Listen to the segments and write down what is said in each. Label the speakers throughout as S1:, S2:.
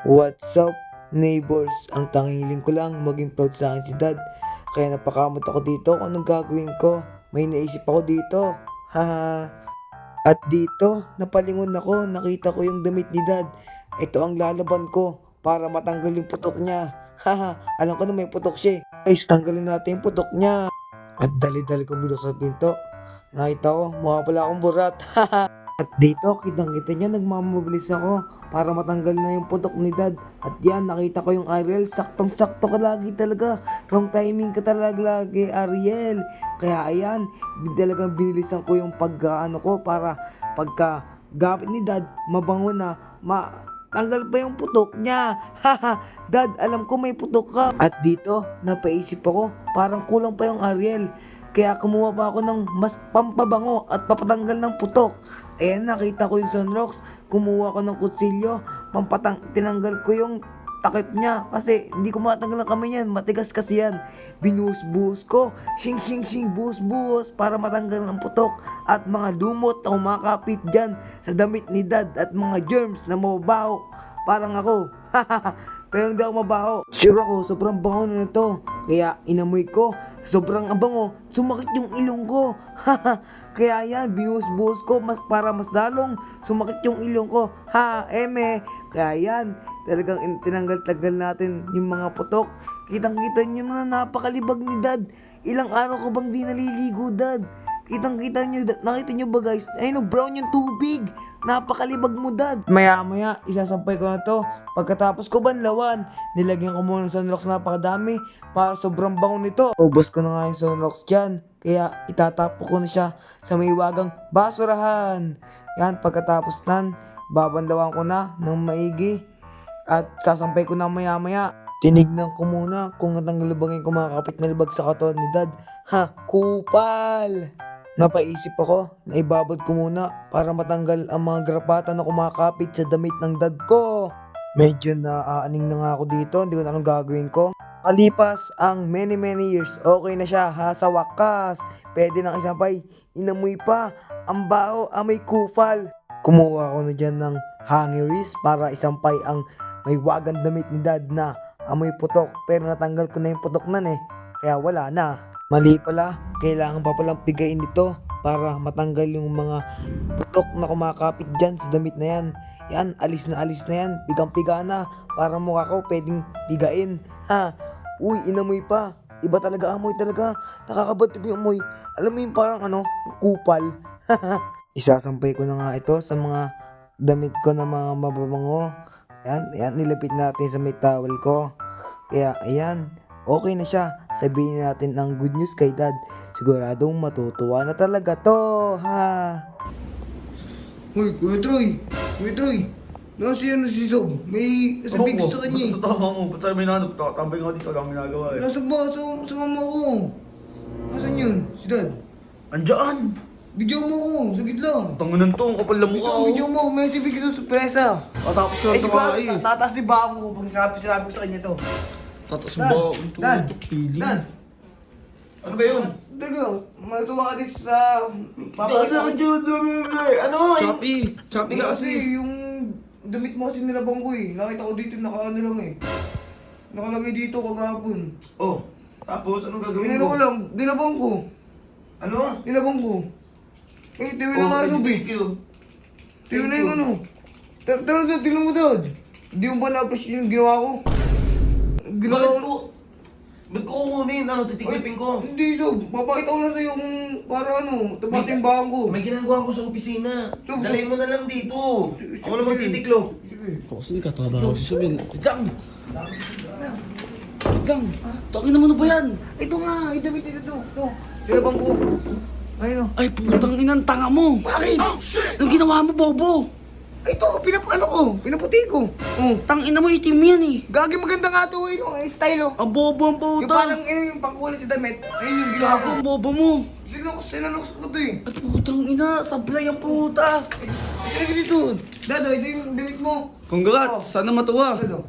S1: What's up, neighbors? Ang tanghiling ko lang maging proud sa akin si dad. Kaya napakamot ako dito kung anong gagawin ko. May naisip ako dito. Haha. At dito, napalingon ako. Nakita ko yung damit ni dad. Ito ang lalaban ko para matanggal yung putok niya. Haha. Alam ko na may putok siya. Guys, tanggalin natin yung putok niya. At dali-dali ko bilos sa pinto. Nakita ko, mukha pala akong burat. At dito, kitang-kita niya, nagmamabilis ako para matanggal na yung putok ni dad. At yan, nakita ko yung Ariel, saktong-sakto ka lagi talaga. Wrong timing ka talaga lagi, Ariel. Kaya ayan, talagang binilisan ko yung pagkaano ko para pagka gamit ni dad, mabango na, tanggal pa yung putok niya. Haha, dad, alam ko may putok ka. At dito, napaisip ako, parang kulang pa yung Ariel. Kaya kumuha pa ako ng mas pampabango at papatanggal ng putok. Ayan, nakita ko yung sunrocks. Kumuha ko ng kutsilyo. Tinanggal ko yung takip niya. Kasi hindi ko matanggal ang kamay niyan. Matigas kasi yan. Binuhos-buhos ko. Shing shing shing buhos-buhos para matanggal ang putok. At mga lumot na kumakapit dyan sa damit ni dad. At mga germs na mababaho. Parang ako. Pero hindi ako mabaho. Sure ako, sobrang bango na ito. Kaya inamoy ko, sobrang abango, sumakit yung ilong ko. Kaya yan, binuhos-buhos ko para mas lalong sumakit yung ilong ko. Kaya yan, talagang tinanggal-tagal natin yung mga putok. Kitang-kita nyo na napakalibag ni dad. Ilang araw ko bang di naliligo, dad? Kitang-kita nyo, nakita nyo ba guys? Ayun, brown yung tubig. Napakalibag mo, dad. Maya-maya, isasampay ko na to. Pagkatapos ko banlawan, nilagyan ko muna ng sunrocks na napakadami para sobrang bango nito. Ubos ko na nga yung sunrocks dyan. Kaya itatapo ko na siya sa may wagang basurahan. Yan, pagkatapos nan, babanlawan ko na ng maigi. At sasampay ko na maya-maya. Tinignan ko muna kung natanggal ba yung kumakapit na libag sa katawan ni dad. Kupal! Napaisip ako na ibabad ko muna para matanggal ang mga garapata na kumakapit sa damit ng dad ko. Medyo naaaning na nga ako dito, hindi ko na anong gagawin ko. Kalipas ang many years, okay na siya sa wakas. Pwede nang isampay, inamoy pa, ang baho, amoy kupal. Kumuha ako na dyan ng hangiris para isampay ang may wagang damit ni dad na amoy putok. Pero natanggal ko na yung putok nan kaya wala na. Mali pala, kailangan pa palang pigain ito para matanggal yung mga putok na kumakapit dyan sa damit na yan. Yan, alis na yan, pigang-piga na, para mukha ko pwedeng pigain. Uy, inamoy pa, iba talaga amoy talaga, nakakabatid yung amoy. Alam mo yung parang kupal. Isasampay ko na nga ito sa mga damit ko na mga mababango. Yan, nilapit natin sa may towel ko. Kaya, ayan, okay na siya. Sabihin natin ang good news kay dad. Siguradong matutuwa na talaga to, Uy, Kuya Troy. Si Sob. May sabihin ko sa kanya
S2: Sa tama mo, ba't sabi may nanap? Tambay nga dito, lang ginagawa
S1: Nasa ba? Sa mama ko. Nasaan yun? Si dad?
S2: Andiyan!
S1: Video mo ko, sagit lang.
S2: Tangunan to, ang kapal na mukha
S1: Gusto video mo, may sabihin ko sa sorpresa.
S2: Tatapos ko lang sa mga eh.
S1: Tataas ni baka ko pag sinabi ko sa kanya to.
S2: Tatas mo
S1: Dan,
S2: ba? Ito,
S1: Dan,
S2: pili.
S1: Dan.
S2: Ano ba yun?
S1: Talaga, matuwa ka din sa...
S2: Ano? Choppy ka
S1: Kasi
S2: kasi.
S1: yung damit mo kasi nilabang ko Nakita ko dito, nakaano lang Nakalagay dito kagapon.
S2: Oh, tapos anong gagawin
S1: Inano
S2: mo?
S1: ko lang, dinabang ko.
S2: Ano?
S1: Nilabang ko. Tiwi na nga subi.
S2: thank you.
S1: Tiwi na yung Dad, tingnan mo dad. Hindi mo ba na-appreciate yung ginawa ko?
S2: Ba't ko kukunin? Ano, titiklipin ko?
S1: Hindi, Sob. Papakita ko na sa'yo kung para tapas yung bahan ko.
S2: May ginagawa ko sa opisina.
S1: So,
S2: Dalhin mo na lang dito.
S1: Sige.
S2: Ako naman titiklo.
S1: Sige.
S3: Kasi katabaho si Subin. Lang! Takin naman ba yan?
S1: Ito nga, idamit ito. Ito. Nilabang ko. Ayun o.
S3: Ay, putang inang tanga mo!
S1: Bakit?
S3: Anong ginawa mo, Bobo?
S1: Ito, pinaputi ko.
S3: Tangina mo, itim yan eh.
S1: Gagi maganda nga ito yung style
S3: Ang bobo ang
S1: Yung
S3: puta.
S1: parang yung pangkulay sa damit. Ayun yung ginawa ko.
S3: Gago ang bobo mo.
S1: Sinanoks ko ito
S3: Ay, putang ina, sablay ang puta.
S1: Ito dito. Dado, ito yung damit mo.
S3: Congrats, sana matuwa.
S1: Dado.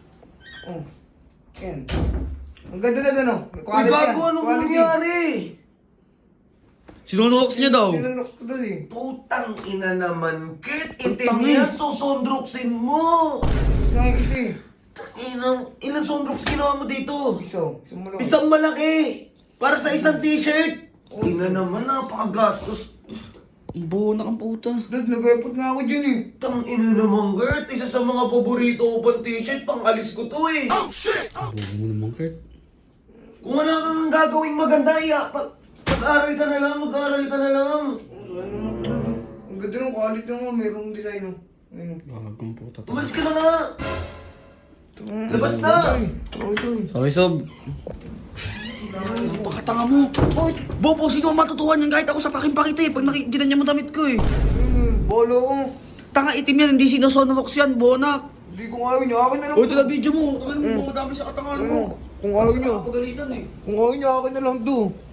S1: Yan. Ang ganda na
S2: Uy, gago, anong nangyari?
S3: Sinunox niya daw.
S4: Sinanox ko doon eh.
S2: Putang ina naman, Kurt.
S3: Putang
S2: Itim yan,
S3: eh.
S2: susundruksin mo.
S4: Nakikisi.
S2: Ilang sundroks ginawa mo dito?
S4: Isang mo lang.
S2: Isang malaki. Para sa isang t-shirt. Ina naman, napakagastos.
S3: Ang bunak ang puta.
S4: Dad, nag-effort nga ako dyan eh.
S2: Tang ina naman, Kurt. Isa sa mga paborito ko pang t-shirt, pang alis ko to eh.
S3: Ang buo mo naman, Kurt.
S2: Kung wala kang gagawing maganda, mag-aral ka na lang, mag-aral ka na lang.
S4: Ano naman to? Ang ganda ng quality nga, mayroong design oh. Ayun oh.
S3: Gagong puta.
S2: Umalis ka na nga. Labas na.
S3: Sorry, Sob. Napakatanga mo. Bobo, sino ang matutuhan yan kahit ako sa pakita eh. Pag ginan niya mo damit ko eh.
S4: Bolo ko.
S3: Tanga itim yan, hindi sinusonox yan, bonak.
S4: Hindi ko ayaw niya, akin na lang.
S3: O, ito na video mo. Tangan mo, madami sa katangan mo.
S4: Kung ayaw niya,
S3: Pagalitan eh.
S4: kung ayaw niya, akin na lang to.